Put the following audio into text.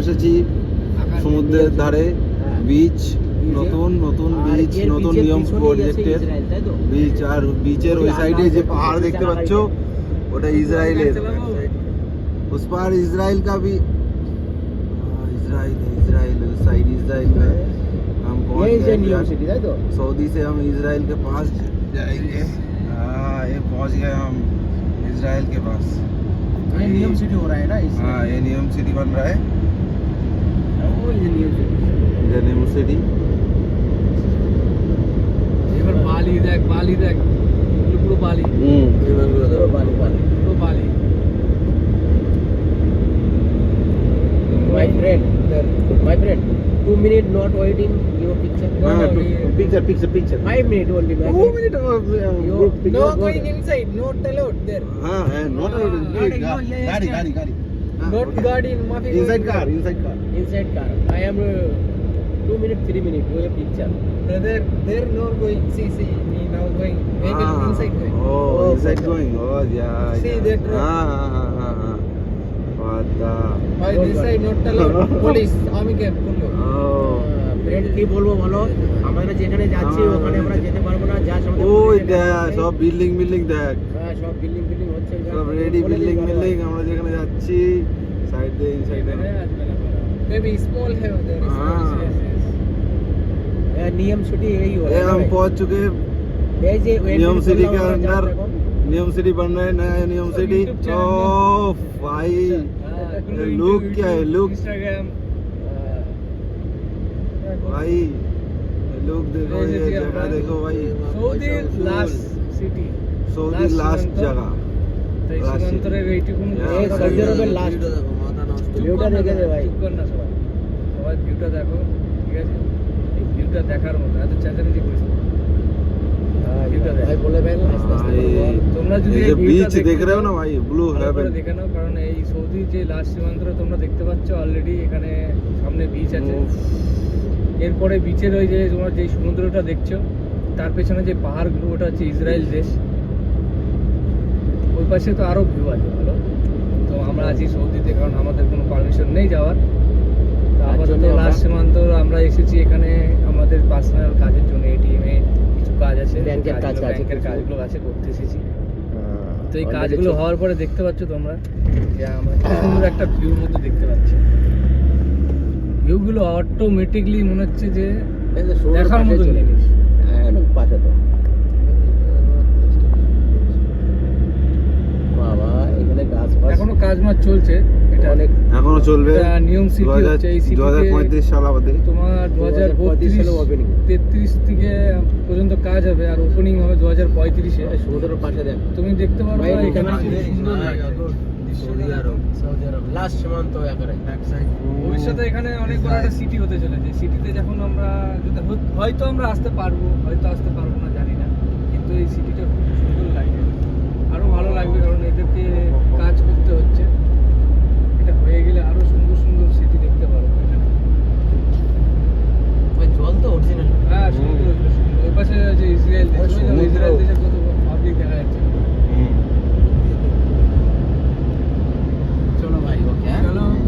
এসেছি সমুদ্রের ধারে, বিচ, নতুন নতুন বিচ, নতুন নিয়ম প্রজেক্টের বিচ। আর বিচের ওই সাইডে যে পাহাড় দেখতে পাচ্ছ ওটা ইসরায়েলের। उस पार इजराइल का भी इजराइल साइड इजराइल में हम पहुंच गए। सऊदी से हम इजराइल के पास जाएंगे। हाँ, ये पहुंच गए हम इजराइल के पास। ये नियम सिटी हो रहा है ना? हाँ, ये नियम सिटी बन रहा है। ये नियम सिटी। এবার বালি দেখ, বালি দেখ, পুরো বালি। এবার পুরো বালি, বালি, পুরো বালি। My friend, 2 minutes not waiting your picture. Picture. 5 minutes only. 2 minutes group picture. No going inside, not allowed there. हाँ है, not गाड़ी Not guard in Mafi. inside car. Inside car. I am 2 minutes, 3 minutes. Your picture. They're not going. See, me now going. Vehicle inside going. Oh, inside going. Oh, yeah. See that road? हाँ. What the? By this side not allowed. Police, army camp. Oh. Friend কি বলবো বলো, আমরা যেখানে যাচ্ছি ওখানে আমরা যেতে পারবো না। যা ওই দেখ সব বিল্ডিং দেখ, হ্যাঁ সব বিল্ডিং হচ্ছে, সব রেডি বিল্ডিং। আমরা যেখানে যাচ্ছি সাইড দিয়ে ইনসাইড है। Maybe small है उधर। नियम सिटी यही हो रहा है। हम पहुंच चुके नियम सिटी के अंदर। नियम सिटी बन रहा है, नया नियम सिटी। ओ भाई लुक क्या है, लुक Instagram भाई, लुक देखो, ये जगह देखो भाई। Saudi last city, Saudi last জগহ। তাই সীমান্তরের এইটুকু এই সৌদি আরবের লাস্ট ভিউটা দেখে দে ভাই। না সবাই ভিউটা দেখো, ঠিক আছে? এই ভিউটা দেখার মতো, এত চেঁচামেচি করিস না। ভিউটা ভাই বলে ভাই তোমরা যদি ये बीच देख रहे हो ना भाई, ब्लू हेवन। দেখে নাও, কারণ এই সৌদি যে লাস্ট সীমান্তটা তোমরা দেখতে পাচ্ছ অলরেডি, এখানে সামনে বিচ আছে। এরপরে বিচের ওই যে তোমার যে সমুদ্রটা দেখছো তার পেছনে যে পাহাড়গুলো, ওটা হচ্ছে ইসরায়েল দেশ। ওই পাশে তো আরও ভিউ আছে ভালো। তো আমরা আছি সৌদিতে, কারণ আমাদের কোনো পারমিশন নেই যাওয়ার। তো আপাতত লাস্ট সীমান্ত আমরা এসেছি এখানে আমাদের পার্সোনাল কাজের জন্য। এটিএমে কিছু কাজ আছে, ব্যাংকের কাজগুলো আছে, করতে এসেছি। তো এই কাজগুলো হওয়ার পরে দেখতে পাচ্ছ তোমরা যে আমরা কি সুন্দর একটা ভিউর মধ্যে দেখতে পাচ্ছি। ভিউগুলো অটোমেটিকলি মনে হচ্ছে যে দেখার মতো জিনিস। পাশে তো বাবা, এখানে গাছ এখনো কাজ মাছ চলছে, এটা অনেক এখনো চলবে। নিয়ম সিটি হচ্ছে। এই সিটি 2035 সাল অবধি, তোমার 2033 থেকে পর্যন্ত কাজ হবে, আর ওপেনিং হবে 2035-এ। সমুদ্রের পাশে দেখ, তুমি দেখতে পারো এখানে সুন্দর লাগে। সৌদি আরব লাস্ট সীমান্ত একেবারে ব্যাক সাইড। ভবিষ্যতে এখানে অনেক বড় একটা সিটি হতে চলেছে। সিটিতে যখন আমরা হয়তো আমরা আসতে পারবো, হয়তো আসতে পারবো না, জানি না। কিন্তু এই সিটিটা খুব সুন্দর লাগে, আরো ভালো লাগবে, কারণ এদেরকে কাজ করতে হচ্ছে। এটা হয়ে গেলে আরো সুন্দর সুন্দর সিটি দেখতে পারবো এখানে। জল তো অরিজিনাল। হ্যাঁ, সুন্দর। ওই পাশে যে ইসরায়েল দেশ, ইসরায়েল দেশের